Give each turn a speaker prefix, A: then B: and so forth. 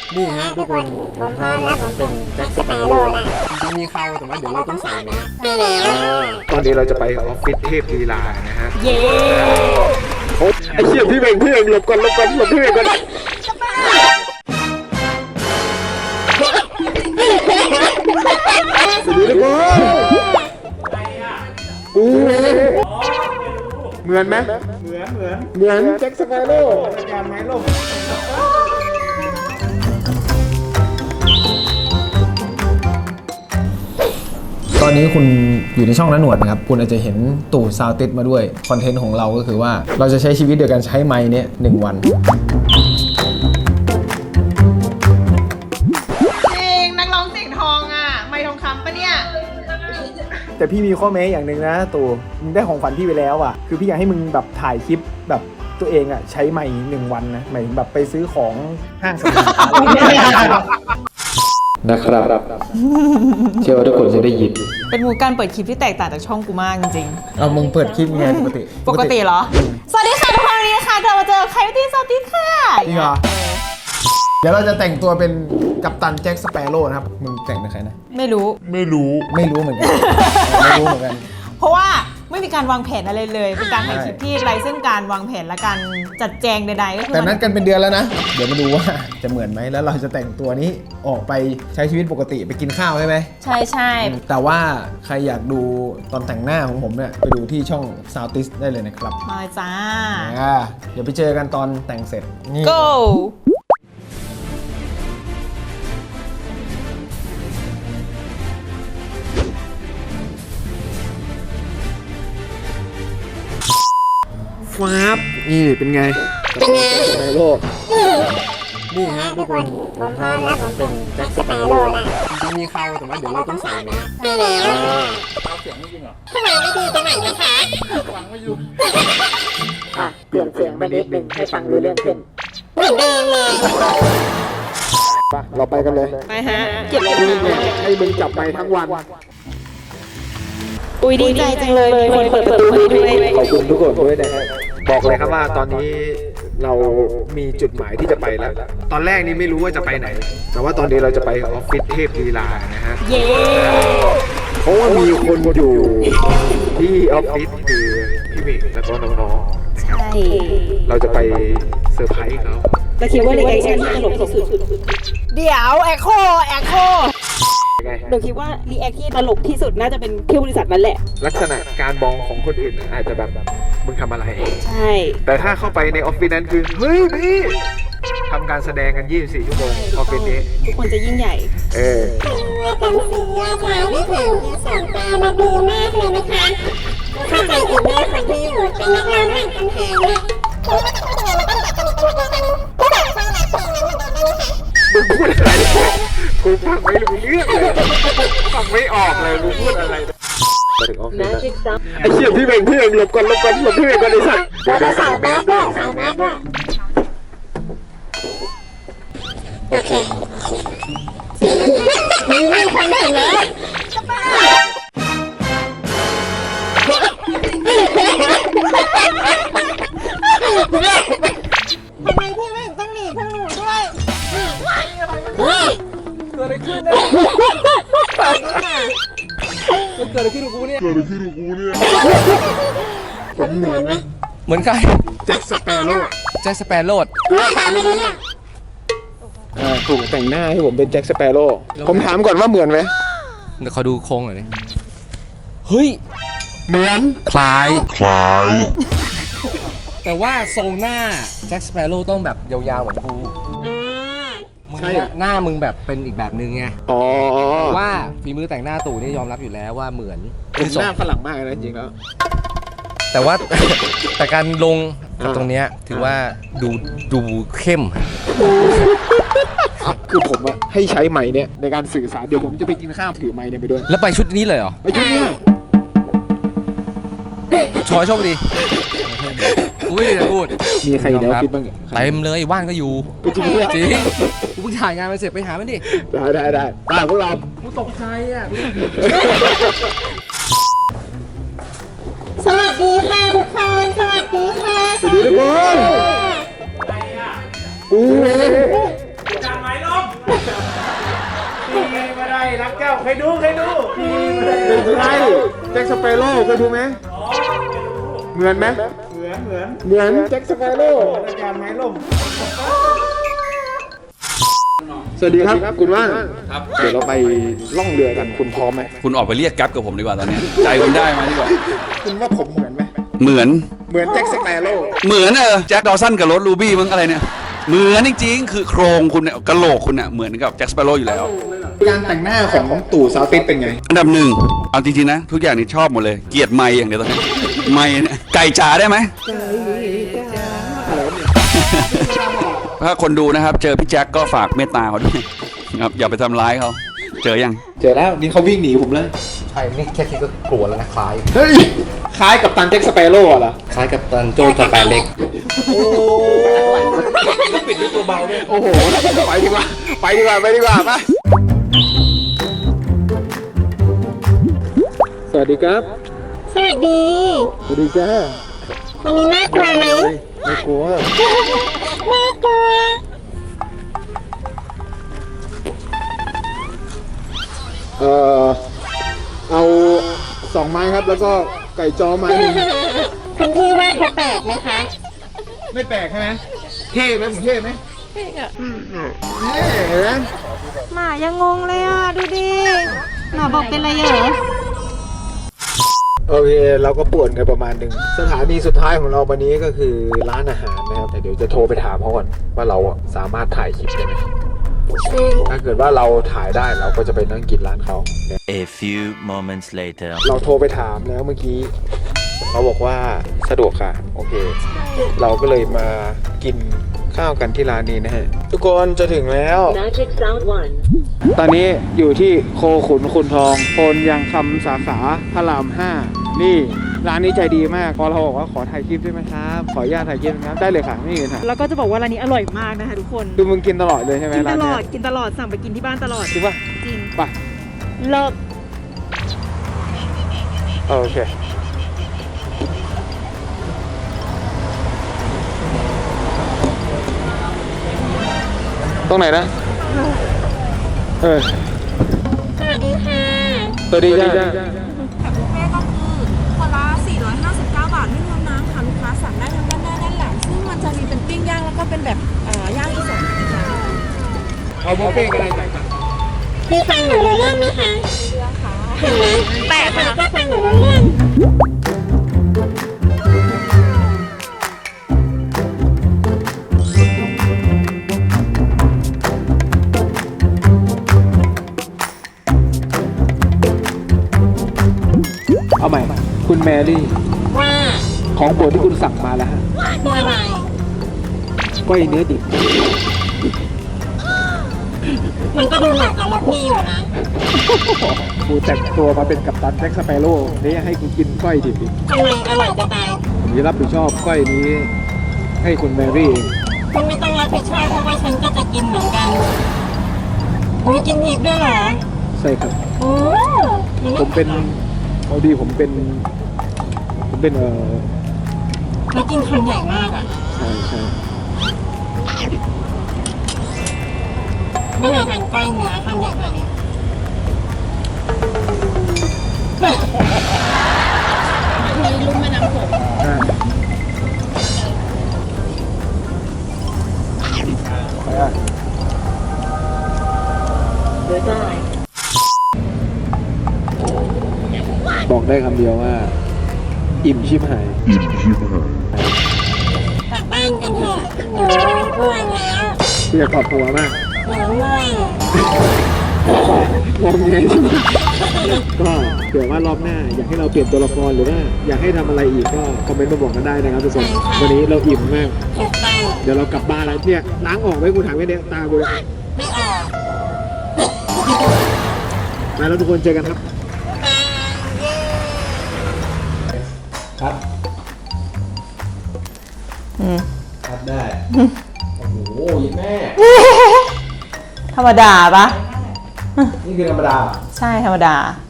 A: นี่ฮะทุกคนผมพร้อมแล้วผมเป็นแจ็คสเปโร่แล้วจะมีเข้าแต่ว่าเดี๋ยวเราต้องใส่แมส
B: ตอนนี้เราจะไปออฟฟิศเทพลีลานะฮะ
C: เย้
B: ไอ้เชี่ยพี่เบ่งหลบก่อนหลบพี่เบ่งก่อนสวัสดีทุกคนเหมือนไหมเหมือนแจ็คสเปโร่อาจารย์ไม้ล่ม
D: ตอนนี้คุณอยู่ในช่องน้าหนวดนะครับคุณอาจจะเห็นตู่ซาวติสมาด้วยคอนเทนต์ของเราก็คือว่าเราจะใช้ชีวิตโดยการใช้ไมค์เนี้ย1 วัน
C: จริงนักร้องเสียงทองอ่ะไมค์ทองคำปะเนี่ย
D: แต่พี่มีข้อแม้อย่างหนึ่งนะตู่มึงได้ของขวัญพี่ไปแล้วอ่ะคือพี่อยากให้มึงแบบถ่ายคลิปแบบตัวเองอ่ะใช้ไมค์1 วันนะหมายถึงแบบไปซื้อของห้างสรรพสินค้านะครับเชื่อว่าทุกคนจะได้ยิน
C: เป็นมูการเปิดคลิปที่แตกต่างจากช่องกูมากจริง
D: ๆเอามึงเปิดคลิปไงปกติ
C: เหรอสวัสดีค่ะทุกคนวันนี้นะคะเรามาเจอใครที่สวัสดีค่ะ
D: จริงเหรอเดี๋ยวเราจะแต่งตัวเป็นกัปตันแจ็คสเปโร่นะครับมึงแต่งเป็นใครนะ
C: ไม่รู้
D: เหมือนกันไม่รู้เหมือนกัน
C: เพราะว่าไม่มีการวางแผนอะไรเลยเป็นการถ่ายคลิปที่ไร้ซึ่งการวางแผนและการจัดแจงใดๆก็คือ
D: แต่นั้นกันเป็นเดือนแล้วนะเดี๋ยวมาดูว่าจะเหมือนไหมแล้วเราจะแต่งตัวนี้ออกไปใช้ชีวิตปกติไปกินข้าวใช่ไหม
C: ใช่
D: แต่ว่าใครอยากดูตอนแต่งหน้าของผมเนี่ยไปดูที่ช่อง Soundtis ได้เลยนะครับ
C: มาจ้า
D: เดี๋ยวไปเจอกันตอนแต่งเสร็จ
C: Go
B: ฟ้าบนี่เป็นไงในโลก
A: นี่ฮะทุกคนผมพร้อมแล้วผมเป็นแจ็คสเปโร่แล้วจะมีเข้าแต่ว่าเดี๋ยวเราต้องใส่แมสเอาเสียงไม่จริงเหรอทำไมไม่ดีตรงไหนนะคะฟังไม่อยู่เปลี่ยนเสียงไปนิดนึงให้ฟังรู้เรื่องขึ้นเหมือนเดิมเลย
B: เราไปกันเลย
C: ไปฮะเก็บเลย
B: ให้มึงจับไปทั้งวัน
C: อุ้ยดีใจจังเลยคนเปิดประตูให้ด้วย
B: ขอบคุณทุกคนด้วยนะฮะบอกเลยครับว่าตอนนี้เรามีจุดหมายที่จะไปแล้วตอนแรกนี่ไม่รู้ว่าจะไปไหนแต่ว่าตอนนี้เราจะไปออฟฟิศเทพลีลานะฮะ
C: เย้
B: เพราะว่ามีคนอยู่ที่ออฟฟิศคือพี่มิกและก็น้อง
C: ๆใช่
B: เราจะไปเซอร์ไพรส์เขา
C: เราคิดว่ารีแอคชั่นที่ตลกที่สุดเดี๋ยวแอคโคหนูคิดว่ารีแอคที่ตลกที่สุดน่าจะเป็นที่บริษัทนั่นแหละ
B: ลักษณะการมองของคนอื่นอาจจะแบบมึงทำอะไร
C: ใช่
B: แต่ถ้าเข้าไปในออฟฟิศนั้นคือเฮ้ยพี่ทำการแสดงกัน24 ชั่วโมงออฟฟิศนี้
C: ทุกคนจะยิ่งใหญ่
A: เป็นเสียค่ะนี่คือสองตามาดีมากเลยนะคะเข้าใจถึงแม่คนที่อยู่เป็นนักร้องแห่งกำแพงเนี่ย
B: มึงพูดอะไรกูฟังไม่รู้เรื่องเลยฟังไม่ออกเลยมึงพูดอะไรไอ้เชี่ยพี่เบ่งหลบก่อนพี่เบ่งก่อนไอ้สัตว์
A: เราใส่แมสด้วยโอเคมีคนเห็นแล้วทำไมพี่ไม่ต้องหนีทั้งหนูด้วย
B: เกิดอะไรขึ้นเนี่ยเกิดอะไรขึ้นกับกูเนี่ยผมเหมือนไหม
D: เหมือนใคร
B: แจ็คสเปโร่ถูกแต่งหน้าให้ผมเป็นแจ็คสเปโร่ผมถามก่อนว่าเหมือนไหม
D: เดี๋ยวเขาดูโครงหน่อยดิเฮ้ย
B: เหมือน
D: คล้ายแต่ว่าทรงหน้าแจ็คสเปโร่ต้องแบบยาวๆเหมือนกูใช่หน้ามึงแบบเป็นอีกแบบนึงไงว่าฝีมือแต่งหน้าตู่นี่ยอมรับอยู่แล้วว่าเหมือน
B: หน้าฝรั่งมากนะจริงแล้ว
D: แต่ว่าแต่การลงตรงเนี้ยถือว่าดูเข้ม
B: คือผมอะให้ใช้ไมค์เนี่ยในการสื่อสารเดี๋ยวผมจะไปกินข้าวถือไมค์เนี่ยไปด้วย
D: แล้วไปชุดนี้เลยเหรอ
B: ไปชุดนี้
D: ชอยโชคดีอุ้ยจะพูด
B: มีใครแล้วคิดบ้าง
D: เต็มเลยว่านก็อยู่จริงกูเพิ่งถ่ายงานมาเสร็จไปหามันดิ
B: ได้พวกเรา
D: กูตกใจอ่ะ
A: สวัสดีค่ะทุกคนสวัสดีค่ะ
B: สวัสดีทุกคน
A: อาจารย์ไม้ล่ม
B: ไม่ได้รักเจ้าเคยดูใช่แจ็คสเปโร่เคยดูไหมเหมือนไหมเหมือนแจ็คสเปโร่อาจารย์ไม้ล่มสวัสดีครับคุณว่านครับเดี๋ยวเราไปล่องเรือกันคุณพร้อมไหม
E: คุณออกไปเรียกแก๊ปกับผมดีกว่าตอนนี้ใจคุณได้มาดีกว่า
B: คุณว่าผมเหมือนไหม
E: เหมือน
B: แจ็คสเปโร่
E: เหมือนแจ็คดอสันกับรถรูบี้มึงอะไรเนี่ยเหมือนจริงๆคือโครงคุณเนี่ยกะโหลกคุณเนี่ยเหมือนกับแจ็คสเปโร่อยู่แล้ว
B: การแต่งหน้าของตู่ซาวติสเป็นไง
E: อันดับหนึ่งเอาจริงๆนะทุกอย่างนี่ชอบหมดเลยเกลียดไมค์อย่างเดียวตอนนี้ไมค์เนี่ยไก่จ๋าได้ไหมถ้าคนดูนะครับเจอพี่แจ็คก็ฝากเมตตาเขาด้วยครับอย่าไปทำร้ายเขาเจอยัง
B: เจอแล้วนี่เขาวิ่งหนีผมเลย
D: ใช่นี่แค่คิดก็กลัวแล้วนะคล้าย
B: เฮ้ยคล้ายกับตันแจ็คสเปโร่เหรอ
D: คล้ายกับตันโจสแปนเล็ก
B: โอ้ปิดด้วยตัวเบาด้วยโอ้โหไปดีกว่าไปปะสวัสดีครับ
C: สวัสดี
B: สวัสดีจ้า
C: วันนี้น่ากลัวไหม
B: ไม่กลัว
C: น่ากลัว
B: เอา2 ไม้ครับแล้วก็ไก่จ้อไม้หนึ่ง
C: คุณพี่ว่าเขาแปลกไหมคะ
B: ไม่แปลกใช่ไหมเท่ไหมผมเท่ไหมเท่อะเห็นไหม
C: หมายังงงเลยอ่ะดูดิหมาบอกเป็นอะไรเหรอ
B: โอเคเราก็ป่วนกันประมาณหนึ่งสถานีสุดท้ายของเราวันนี้ก็คือร้านอาหารนะครับแต่เดี๋ยวจะโทรไปถามเขาก่อนว่าเราสามารถถ่ายคลิปได้ไหมถ้าเกิดว่าเราถ่ายได้เราก็จะไปนั่งกินร้านเขา
F: A few moments later
B: เราโทรไปถามแล้วเมื่อกี้เขาบอกว่าสะดวกค่ะโอเคเราก็เลยมากินข้าวกันที่ร้านนี้นะฮะทุกคนจะถึงแล้ว
C: Magic Sound 1
B: ตอนนี้อยู่ที่โคขุนคุณทองโพนยังคำสาขาพระราม 5นี่ร้านนี้ใจดีมากพอเราบอกว่าขอถ่ายคลิปได้ไหมครับขออนุญาตถ่ายคลิปนะครับได้เลยค่ะไม่มีปัญหา
C: แล้วก็จะบอกว่าร้านนี้อร่อยมากนะคะทุกคน
B: คือมึงกินตลอดเลยใช่ไหม
C: กินต
B: ร้าน
C: ล
B: เนี้
C: อดกินตลอดสั่งไปกินที่บ้านตลอด
B: จริงป่ะ
C: จริง
B: ป่ะ
C: เลิก
B: โอเคตรงไหนนะ
C: สวัสดีค่ะ
B: สวัสดีจ้า
G: บุฟเฟ่ก็คือคนละ459 บาทไม่รวมน้ำค่ะลูกค้าสั่งได้ทั้งด้านหน้าด้านหลังซึ่งมันจะมีเป็นปิ้งย่างแล้วก็เป็นแบบย่างอีสานนะคะ
B: เอาบุฟเฟ่ต์กันเลยจ้ะ
C: พี่ฟังหนูรู้เรื่องไหมคะเห็นไหมแปลกนะก็ฟังหนูรู้เรื่อง
B: เอาใหม่คุณแมรี่
C: ว่า
B: ของโปรดที่คุณสั่งมาแล้วฮะ
C: คืออะไร
B: ก้อยเนื้อดิบ
C: มันก็ดูเหมือนกับพี่อยู่นะ
B: กูแต่งตัวมาเป็นกัปตันแจ็คสเปโร่นี่ให้กูกินก้อยดิบอีก
C: ทำไมอร่อยจะตาย
B: ผมจะรับผิดชอบก้อยนี้ให้คุณแมรี่เอง
C: คุณไม่ต้องรับผิดชอบเพราะว่าฉันก็จะกินเหมือนกันคุณกินอีกด้วยเหรอ
B: ใช่ครับ
C: โอ้
B: ผมเป็นเอาดีผมเป็น
C: แล้วกินคำใหญ่มากอ่ะ
B: ใช่ใช่
C: ไม่เคยทานก้อยเนื้อคำใหญ่แบบนี้มีลุ่มแม่น้ำโขง
B: ไปอ่ะ
C: หรือจะอะไร
B: บอกได้คำเดียวว่า อิ่มชิบหาย
C: กลับบ้านกันเถอะหนูง่วงแล้ว
B: เพื่อขอบตัวมาก
C: หนูง่วง
B: มองไงก็เผื่อว่ารอบหน้าอยากให้เราเปลี่ยนตัวละครหรือว่าอยากให้ทำอะไรอีกก็คอมเมนต์มาบอกกันได้นะครับทุกคนวันนี้เราอิ่มมาก
C: ถูกต้อง
B: เดี๋ยวเรากลับบ้านแล้วเนี่ยล้างออกไว้กูถามแค่เนี้ยตากูเลย
C: ไม่ออก
B: ไปแล้วทุกคนเจอกันครับ
D: ครับครับได้ โอ้โหยิแม่
H: ธรรมดาปะ
D: นี่คือธรรมดา
H: ใช่ธรรมดา